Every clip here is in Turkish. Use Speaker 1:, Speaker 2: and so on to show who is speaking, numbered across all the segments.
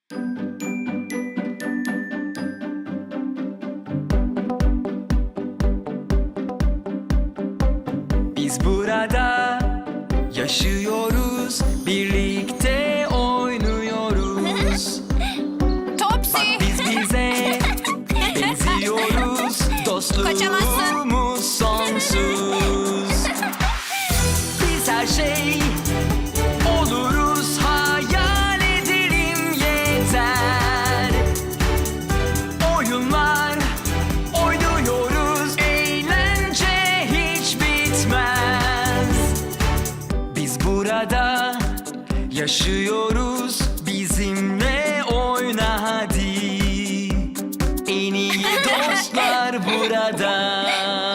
Speaker 1: Biz burada yaşıyoruz, birlikte oynuyoruz.
Speaker 2: Topsy.
Speaker 1: Bak biz bize benziyoruz, dostluğumuz sonsuz. Biz her şey oluruz, hayal edelim yeter. Oyunlar oynuyoruz, eğlence hiç bitmez. Biz burada yaşıyoruz, bizimle oyna hadi. En iyi dostlar burada.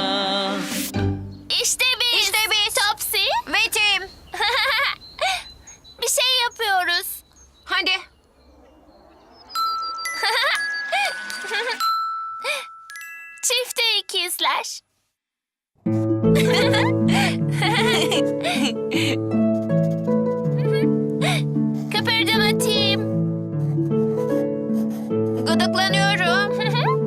Speaker 2: İşte biz. Topsy. Ve Tim. Bir şey yapıyoruz. Hadi. Çifte ikizler. Kıpırdama Tim. Gıdıklanıyorum.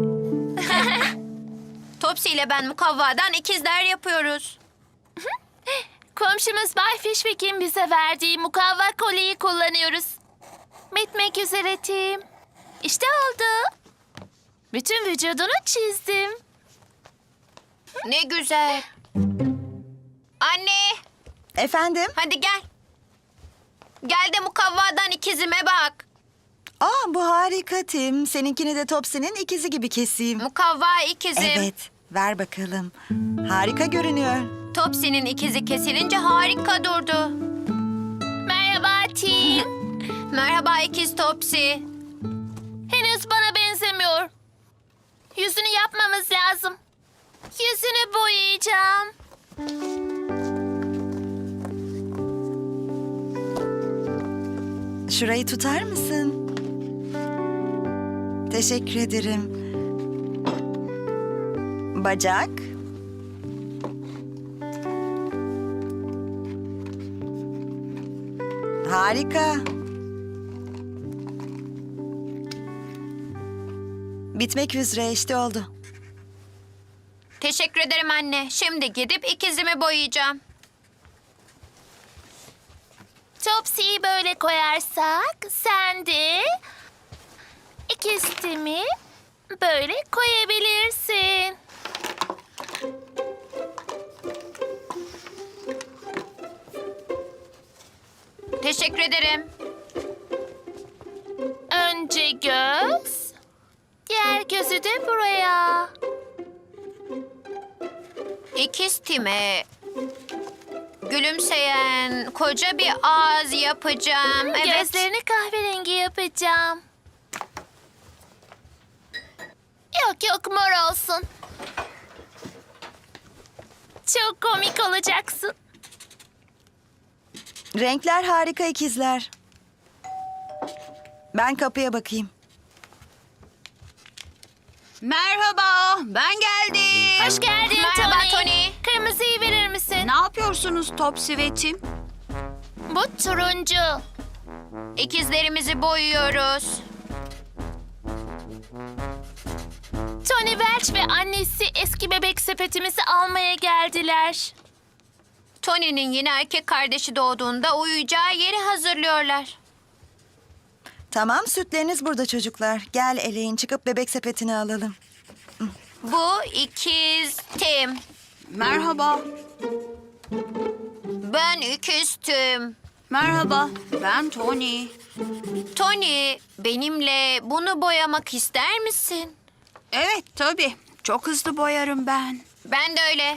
Speaker 2: Topsy ile ben mukavvadan ikizler yapıyoruz. Komşumuz Bay Fishwick'in bize verdiği mukavva kolyeyi kullanıyoruz. Bitmek üzere Tim. İşte oldu. Bütün vücudunu çizdim. Ne güzel. Anne,
Speaker 3: Efendim?
Speaker 2: hadi gel. Gel de mukavvadan ikizime bak.
Speaker 3: Aa, bu harika Tim. Seninkini de Topsy'nin ikizi gibi keseyim.
Speaker 2: Mukavva ikizim.
Speaker 3: Evet, ver bakalım. Harika görünüyor.
Speaker 2: Topsy'nin ikizi kesilince harika durdu. Merhaba Tim. Merhaba ikiz Topsy. Henüz bana benzemiyor. Yüzünü yapmamız lazım. Yüzünü boyayacağım.
Speaker 3: Şurayı tutar mısın? Teşekkür ederim. Bacak. Harika. Bitmek üzere, işte oldu.
Speaker 2: Teşekkür ederim anne. Şimdi gidip ikizimi boyayacağım. Topsy'yi böyle koyarsak sen de ikiz Tim'i böyle koyabilirsin. Teşekkür ederim. Önce göz, diğer gözü de buraya. İkiz Tim'e gülümseyen koca bir ağız yapacağım. Evet. Gözlerini kahverengi yapacağım. Yok mor olsun. Çok komik olacaksın.
Speaker 3: Renkler harika ikizler. Ben kapıya bakayım.
Speaker 4: Merhaba, ben geldim.
Speaker 2: Hoş geldin
Speaker 4: Merhaba
Speaker 2: Tony.
Speaker 4: Tony.
Speaker 2: Kırmızıyı verir misin?
Speaker 4: Ne yapıyorsunuz Topsy ve Tim?
Speaker 2: Bu turuncu. İkizlerimizi boyuyoruz. Tony Welch ve annesi eski bebek sepetimizi almaya geldiler. Tony'nin yeni erkek kardeşi doğduğunda uyuyacağı yeri hazırlıyorlar.
Speaker 3: Tamam, sütleriniz burada çocuklar. Gel eleyin, çıkıp bebek sepetini alalım.
Speaker 2: Bu ikiz Tim.
Speaker 4: Merhaba.
Speaker 2: Ben ikiz Tim.
Speaker 4: Merhaba, ben Tony.
Speaker 2: Tony, benimle bunu boyamak ister misin?
Speaker 4: Evet, tabii. Çok hızlı boyarım ben.
Speaker 2: Ben de öyle.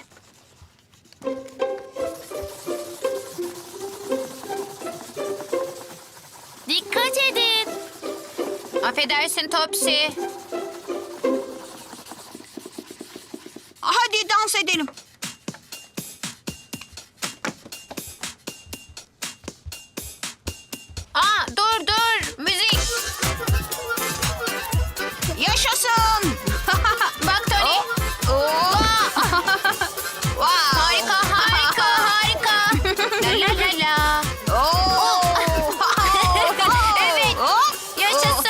Speaker 2: Dikkat edin. Affedersin Topsy.
Speaker 4: Hadi dans edelim.
Speaker 2: Dur. Müzik.
Speaker 4: Yaşasın.
Speaker 2: Bak Tony. Harika. La la la la.
Speaker 4: Oo.
Speaker 2: Evet.
Speaker 4: Hop.
Speaker 2: Yaşasın.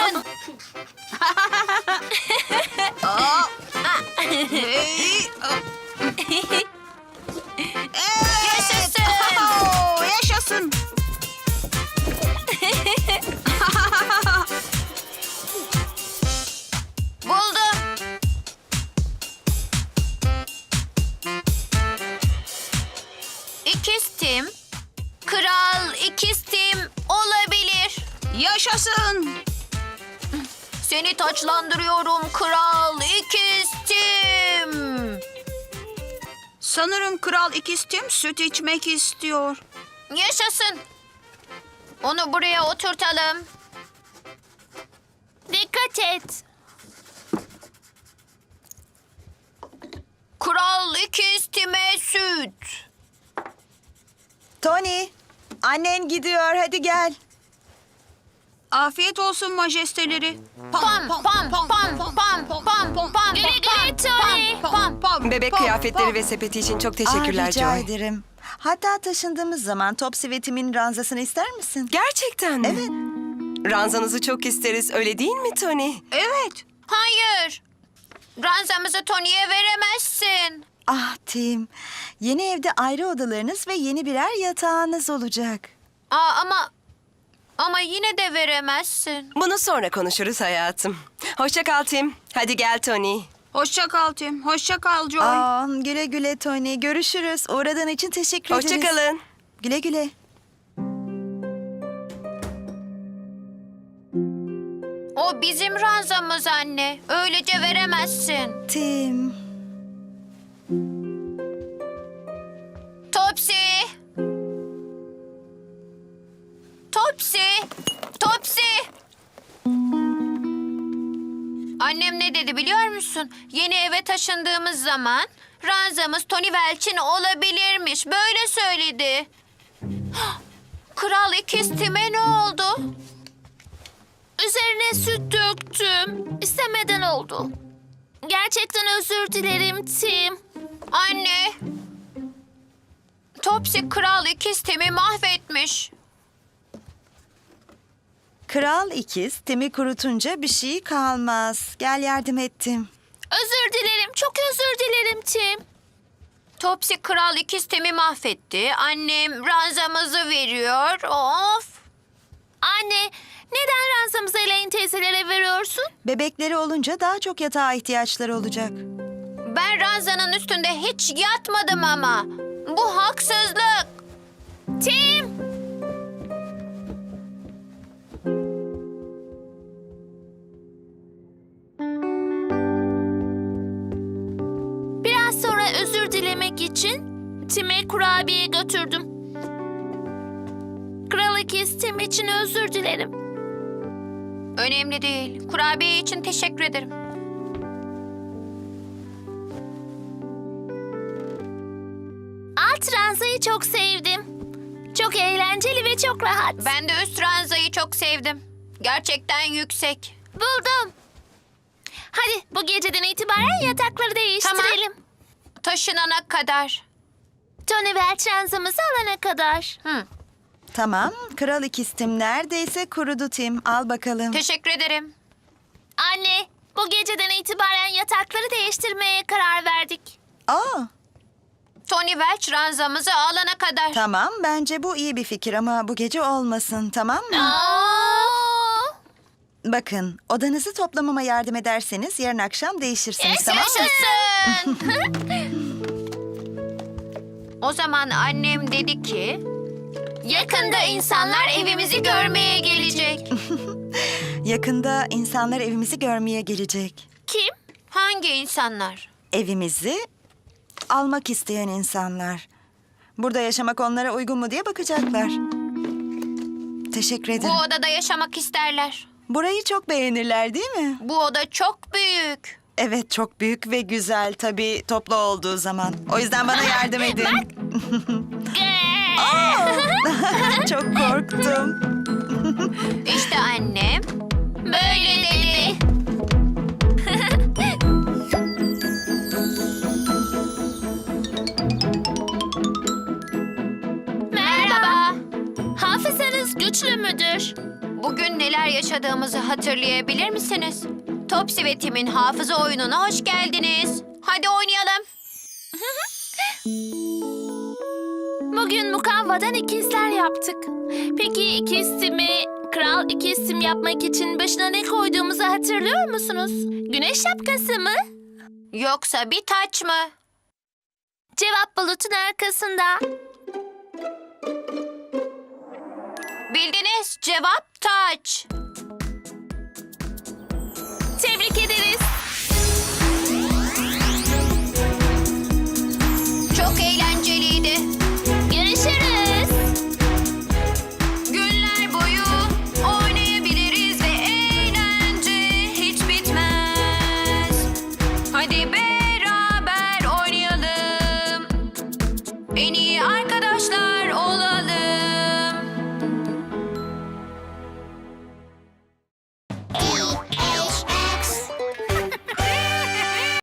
Speaker 4: Yaşasın.
Speaker 2: Seni taçlandırıyorum Kral İkiztim.
Speaker 4: Sanırım Kral İkiztim süt içmek istiyor.
Speaker 2: Yaşasın. Onu buraya oturtalım. Dikkat et. Kral İkiztime süt.
Speaker 3: Tony, annen gidiyor. Hadi gel.
Speaker 4: Afiyet olsun majesteleri.
Speaker 2: Pam pam pam pam pam pam. Güle güle Tony.
Speaker 5: Bebek kıyafetleri ve sepeti için çok teşekkürler
Speaker 3: Rica
Speaker 5: Joy.
Speaker 3: ederim. Hatta taşındığımız zaman Topsy ve Tim'in ranzasını ister misin?
Speaker 5: Gerçekten mi?
Speaker 3: Evet.
Speaker 5: Ranzanızı çok isteriz, öyle değil mi Tony?
Speaker 4: Evet.
Speaker 2: Hayır. Ranzamızı Tony'ye veremezsin.
Speaker 3: Ah Tim, yeni evde ayrı odalarınız ve yeni birer yatağınız olacak.
Speaker 2: Ama yine de veremezsin.
Speaker 5: Bunu sonra konuşuruz hayatım. Hoşça kal Tim. Hadi gel Tony.
Speaker 4: Hoşça kal Tim. Hoşça kal Joy.
Speaker 3: Güle güle Tony. Görüşürüz. Uğradığın için teşekkür ederiz.
Speaker 5: Hoşça kalın.
Speaker 3: Güle güle.
Speaker 2: O bizim ranzamız anne. Öylece veremezsin.
Speaker 3: Tim.
Speaker 2: Topsy. Topsy. Topsy. Annem ne dedi biliyor musun? Yeni eve taşındığımız zaman ranzamız Tony Welch'in olabilirmiş. Böyle söyledi. Kral İkiztim'e ne oldu? Üzerine süt döktüm. İstemeden oldu. Gerçekten özür dilerim Tim. Anne. Topsy Kral İkiztim'i mahvetmiş.
Speaker 3: Kral ikiz Tim'i kurutunca bir şey kalmaz. Gel yardım ettim.
Speaker 2: Özür dilerim. Çok özür dilerim Tim. Topsy Kral İkiztim'i mahvetti. Annem ranzamızı veriyor. Of. Anne, neden ranzamızı Elaine teyzelere veriyorsun?
Speaker 3: Bebekleri olunca daha çok yatağa ihtiyaçları olacak.
Speaker 2: Ben ranzanın üstünde hiç yatmadım ama. Bu haksızlık. Tim! Biraz sonra özür dilemek için Tim'e kurabiye götürdüm. Kral İkiz Tim için özür dilerim. Önemli değil. Kurabiye için teşekkür ederim. Alt ranzayı çok sevdim. Çok eğlenceli ve çok rahat. Ben de üst ranzayı çok sevdim. Gerçekten yüksek. Buldum. Hadi bu geceden itibaren yatakları değiştirelim. Tamam. Taşınana kadar. Tony Welch ranzamızı alana kadar.
Speaker 3: Tamam. Kral ikiz Tim neredeyse kurudu Tim. Al bakalım.
Speaker 2: Teşekkür ederim. Anne, bu geceden itibaren yatakları değiştirmeye karar verdik. Tony Welch ranzamızı alana kadar.
Speaker 3: Tamam. Bence bu iyi bir fikir ama bu gece olmasın. Tamam mı? Bakın, odanızı toplamama yardım ederseniz yarın akşam değişirsiniz. Tamam mı?
Speaker 2: Yaşasın. O zaman annem dedi ki... Yakında insanlar evimizi görmeye gelecek.
Speaker 3: Yakında insanlar evimizi görmeye gelecek.
Speaker 2: Kim? Hangi insanlar?
Speaker 3: Evimizi almak isteyen insanlar. Burada yaşamak onlara uygun mu diye bakacaklar. Teşekkür
Speaker 2: Bu
Speaker 3: ederim.
Speaker 2: odada yaşamak isterler.
Speaker 3: Burayı çok beğenirler değil mi?
Speaker 2: Bu oda çok büyük.
Speaker 3: Evet, çok büyük ve güzel tabii toplu olduğu zaman. O yüzden bana yardım edin. Çok korktum.
Speaker 2: İşte annem böyle dedi. Merhaba. Hafızanız güçlü müdür? Bugün neler yaşadığımızı hatırlayabilir misiniz? Topsy ve Tim'in hafıza oyununa hoş geldiniz. Hadi oynayalım. Bugün mukavvadan ikizler yaptık. Peki ikiz Tim'i Kral İkiz Tim yapmak için başına ne koyduğumuzu hatırlıyor musunuz? Güneş şapkası mı? Yoksa bir taç mı? Cevap bulutun arkasında. Bildiniz, cevap taç.